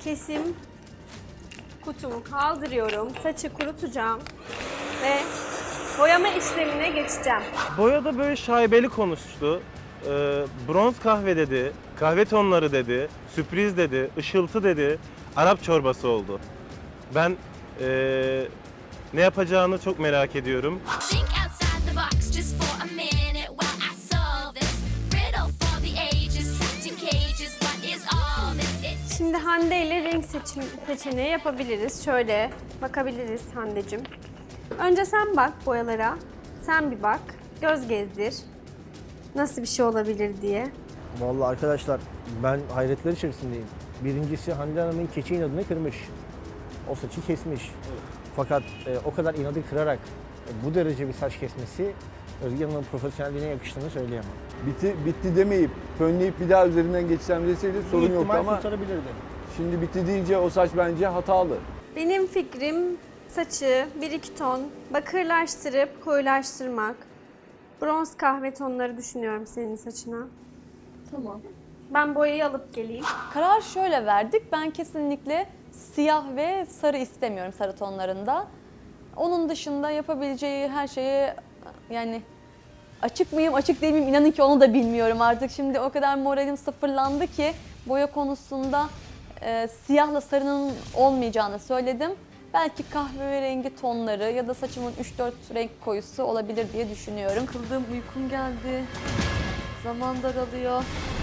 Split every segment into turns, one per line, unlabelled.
kesim kutumu kaldırıyorum. Saçı kurutacağım ve boyama işlemine geçeceğim.
Boyada böyle şaibeli konuştu. Bronz kahve dedi, kahve tonları dedi, sürpriz dedi, ışıltı dedi, Arap çorbası oldu. Ben ne yapacağını çok merak ediyorum.
Think outside the box just for a minute while I solve this riddle for the ages, trapped in cages. What is all this?
Şimdi Hande ile renk seçeneği yapabiliriz. Şöyle bakabiliriz Hande'cim. Önce sen bak boyalara. Sen bir bak. Göz gezdir. Nasıl bir şey olabilir diye.
Vallahi arkadaşlar ben hayretler içerisindeyim. Birincisi Hande Hanım'ın keçi inadını kırmış. O saçı kesmiş. Fakat o kadar inadı kırarak bu derece bir saç kesmesi Özge Hanım'ın profesyonelliğine yakıştığını söyleyemem.
Bitti demeyip fönleyip bir daha üzerinden geçsem deseydi sorun yoktu ama
kurtarabilirdi.
şimdi bitti deyince o saç bence hatalı.
Benim fikrim saçı 1-2 ton bakırlaştırıp koyulaştırmak. Bronz kahve tonları düşünüyorum senin saçına.
Tamam.
Ben boyayı alıp geleyim.
Karar şöyle verdik. Ben kesinlikle siyah ve sarı istemiyorum, sarı tonlarında. Onun dışında yapabileceği her şeye yani açık mıyım, açık değil miyim inanın ki onu da bilmiyorum artık. Şimdi o kadar moralim sıfırlandı ki boya konusunda siyahla sarının olmayacağını söyledim. Belki kahverengi tonları ya da saçımın 3-4 renk koyusu olabilir diye düşünüyorum. Kıldığım uykum geldi. Zaman daralıyor.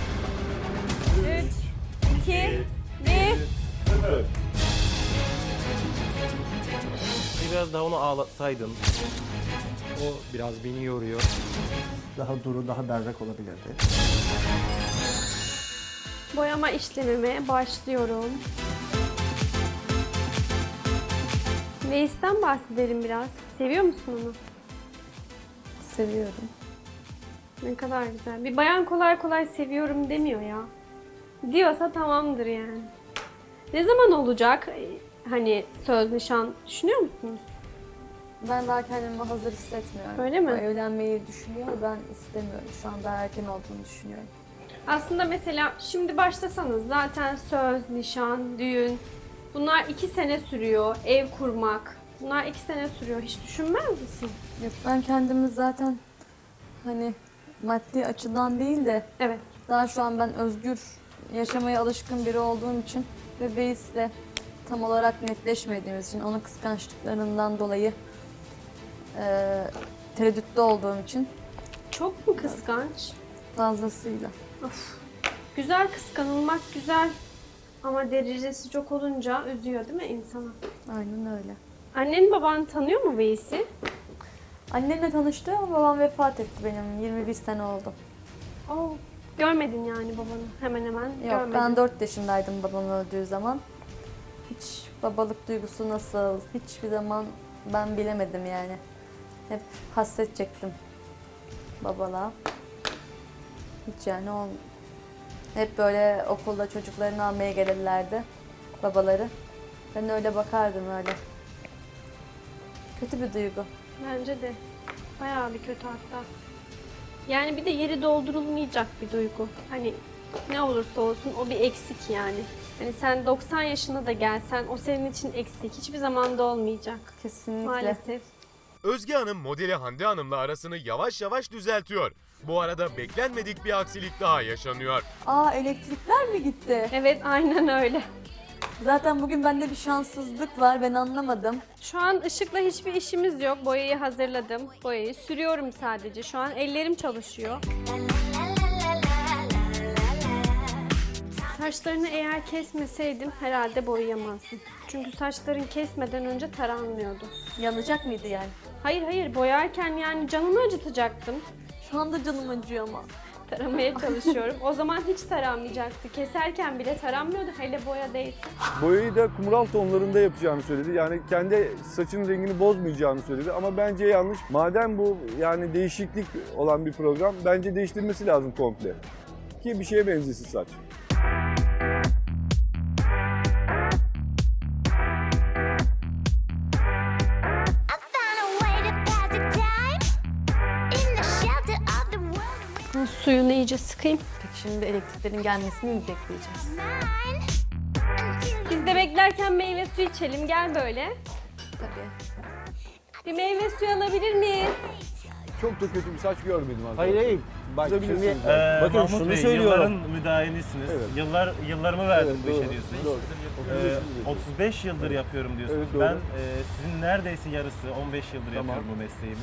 3, 2, 1.
Biraz daha onu ağlatsaydın.
O biraz beni yoruyor.
Daha duru, daha berrak olabilirdi.
Boyama işlemime başlıyorum. Veys'ten bahsedelim biraz. Seviyor musun onu?
Seviyorum.
Ne kadar güzel. Bir bayan kolay kolay seviyorum demiyor ya. Diyorsa tamamdır yani. Ne zaman olacak? Hani söz nişan düşünüyor musunuz?
Ben daha kendimi hazır hissetmiyorum.
Öyle mi?
O evlenmeyi düşünüyor, ben istemiyorum. Şu an daha erken olduğunu düşünüyorum.
Aslında mesela şimdi başlasanız zaten söz, nişan, düğün bunlar 2 sene sürüyor. Ev kurmak bunlar 2 sene sürüyor. Hiç düşünmez misin?
Yok, ben kendimi zaten hani maddi açıdan değil de
Evet.
daha şu an ben özgür yaşamaya alışkın biri olduğum için ve Beys'le tam olarak netleşmediğimiz için onun kıskançlıklarından dolayı tereddütte olduğum için
Çok mu kıskanç?
fazlasıyla.
Of. Güzel kıskanılmak güzel. Ama derecesi çok olunca üzüyor değil mi insana?
Aynen öyle.
Annen baban tanıyor mu Veys'i?
Annemle tanıştı ama babam vefat etti benim. 21 sene oldu.
Oo, görmedin yani babanı hemen hemen
Yok,
görmedin.
ben 4 yaşındaydım babam öldüğü zaman. Hiç babalık duygusu nasıl, hiçbir zaman ben bilemedim yani. Hep hasret çektim babalığa. Hiç yani hep böyle okulda çocuklarını almaya gelirlerdi babaları. Ben öyle bakardım öyle. Kötü bir duygu.
Bence de bayağı bir kötü hatta. Yani bir de yeri doldurulmayacak bir duygu. Hani ne olursa olsun o bir eksik yani. Hani sen 90 yaşına da gelsen o senin için eksik. Hiçbir zaman da olmayacak.
Kesinlikle.
Maalesef.
Özge Hanım modeli Hande Hanım'la arasını yavaş yavaş düzeltiyor. Bu arada beklenmedik bir aksilik daha yaşanıyor.
Aa, elektrikler mi gitti?
Evet aynen öyle.
Zaten bugün bende bir şanssızlık var, ben anlamadım.
Şu an ışıkla hiçbir işimiz yok. Boyayı hazırladım. Boyayı sürüyorum sadece. Şu an ellerim çalışıyor. Saçlarını eğer kesmeseydim herhalde boyayamazdım. Çünkü saçların kesmeden önce taranmıyordu.
Yanacak mıydı yani?
Hayır hayır boyarken yani canımı acıtacaktım.
Şu anda canım acıyor ama.
Taramaya çalışıyorum. O zaman hiç taranmayacaktı. Keserken bile taranmıyordu hele boya değilse.
Boyayı da kumral tonlarında yapacağını söyledi. Yani kendi saçının rengini bozmayacağını söyledi ama bence yanlış. Madem bu yani değişiklik olan bir program bence değiştirmesi lazım komple. Ki bir şeye benzesin saç.
Suyunu iyice sıkayım.
Peki şimdi elektriklerin gelmesini mi bekleyeceğiz?
Biz giderken meyve suyu içelim. Gel böyle.
Tabii.
Bir meyve suyu alabilir miyiz?
Çok da kötü bir saç görmedim arkadaşlar.
Hayır hayır. Bak şimdi
Kızabilirsiniz.
bakın
Mahmut
şunu
Bey,
söylüyorum.
Yılların müdahilisiniz.
Evet.
Yıllarımı verdim bu işe
doğru,
diyorsunuz.
doğru.
35 yıldır yapıyorum diyorsunuz.
Evet, doğru.
Ben sizin neredeyse yarısı 15 yıldır
Tamam.
yapıyorum bu mesleğimi.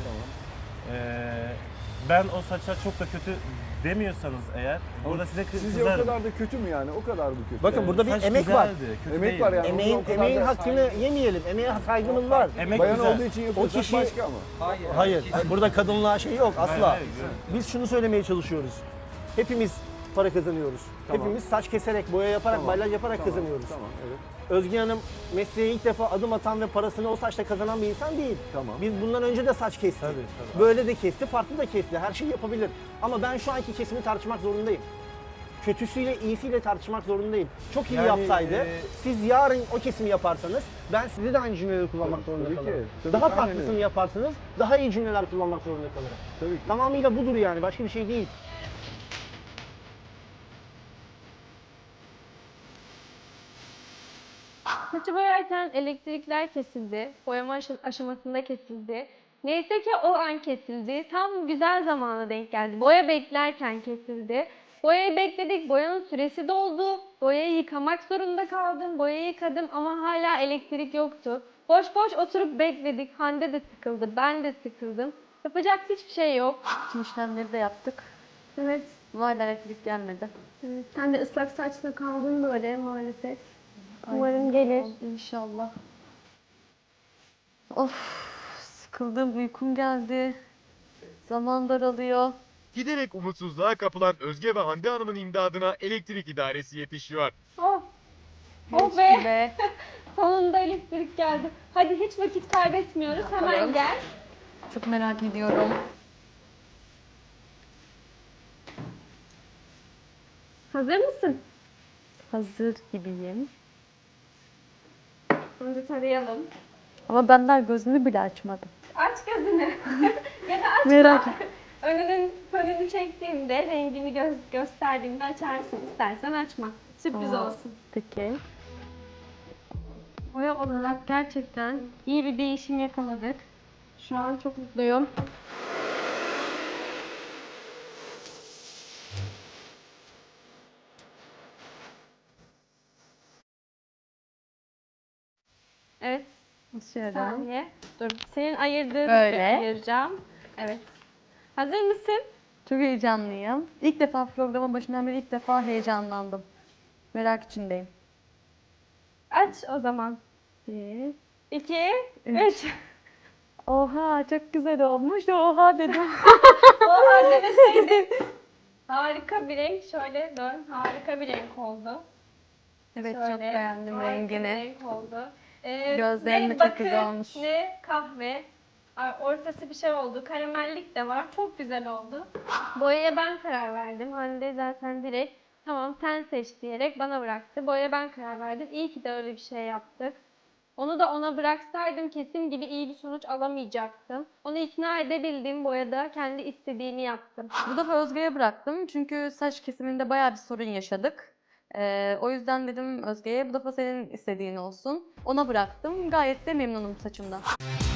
Ben o saça çok da kötü demiyorsanız eğer burada size
Sizce o
kızarım.
kadar da kötü mü yani? O kadar mı kötü?
Bakın burada bir
Saç
emek var.
güzeldi, kötü
Emek
değil.
var yani.
Emeğin,
o kadar
emeğin
da-
hakkını yemeyelim. Emeğe saygımız var.
Emek
Bayan
güzel.
olduğu için yapıyorsak
kişi-
başka ama.
Hayır. Burada kadınlığa şey yok asla.
hayır, evet.
Biz şunu söylemeye çalışıyoruz. Hepimiz para kazanıyoruz.
Tamam.
Hepimiz saç keserek, boya yaparak,
Tamam.
balyaj yaparak
Tamam,
kazanıyoruz.
Tamam, evet.
Özge Hanım mesleğe ilk defa adım atan ve parasını o saçla kazanan bir insan değil.
Tamam.
Biz bundan önce de saç kestik.
Tabii.
Böyle de kesti, farklı da kesti. Her şeyi yapabilir. Ama ben şu anki kesimi tartışmak zorundayım. Kötüsüyle iyisiyle tartışmak zorundayım. Çok iyi
Yani,
yapsaydı, siz yarın o kesimi yaparsanız ben size de aynı cümleleri kullanmak zorunda
Tabii ki.
kalırım.
Tabii
Daha
ki, aynen
farklısını
öyle.
yaparsanız daha iyi cümleler kullanmak zorunda kalırım.
Tabii ki.
Tamamıyla budur yani, başka bir şey değil.
Saçı boyarken elektrikler kesildi. Boyama aşamasında kesildi. Neyse ki o an kesildi. Tam güzel zamana denk geldi. Boya beklerken kesildi. Boyayı bekledik. Boyanın süresi doldu. Boyayı yıkamak zorunda kaldım. Boyayı yıkadım ama hala elektrik yoktu. Boş boş oturup bekledik. Hande de sıkıldı. Ben de sıkıldım. Yapacak hiçbir şey yok.
Tüm işlemleri de yaptık.
Evet.
Hala elektrik gelmedi.
Evet, sen de ıslak saçla kaldın böyle maalesef. Umarım gelir.
İnşallah. Of, sıkıldım, uykum geldi. Zaman daralıyor.
Giderek umutsuzluğa kapılan Özge ve Hande Hanım'ın imdadına elektrik idaresi yetişiyor.
Oh. Oh be.
Ve
Sonunda elektrik geldi. Hadi hiç vakit kaybetmiyoruz. Hemen gel.
çok merak ediyorum.
Hazır mısın?
Hazır gibiyim.
Şimdi tarayalım.
Ama ben daha gözümü bile açmadım.
Aç gözünü. Ya da aç.
Merak et.
Önünün fönünü çektiğimde, rengini gösterdiğimde açarsın. İstersen açma. Sürpriz
Aa.
olsun.
Peki.
Boya olarak gerçekten iyi bir değişim yakaladık. Şu an çok mutluyum. Evet.
Şöyle.
Saniye. Dur. Senin ayırdığın
Böyle.
ayıracağım. Evet. Hazır mısın?
Çok heyecanlıyım. İlk defa programın başından beri ilk defa heyecanlandım. Merak içindeyim.
Aç o zaman. 1, 2, 3.
Oha çok güzel olmuş. Oha dedim.
Oha demeseydin. Harika bir renk. Şöyle dön. Harika bir renk oldu.
Evet
Şöyle,
çok beğendim
harika bir
rengini.
renk oldu.
Gözlerim de
ne
çok güzel
bakır,
olmuş.
Ne kahve. Ortası bir şey oldu. Karamellik de var. Çok güzel oldu. Boyaya ben karar verdim. Hande zaten direkt tamam sen seç diyerek bana bıraktı. Boyaya ben karar verdim. İyi ki de öyle bir şey yaptık. Onu da ona bıraksaydım kesin gibi iyi bir sonuç alamayacaktım. Onu ikna edebildim. Boyada kendi istediğini yaptım.
Bu defa Özge'ye bıraktım çünkü saç kesiminde bayağı bir sorun yaşadık. O yüzden dedim Özge'ye bu defa senin istediğin olsun. Ona bıraktım. Gayet de memnunum saçımdan.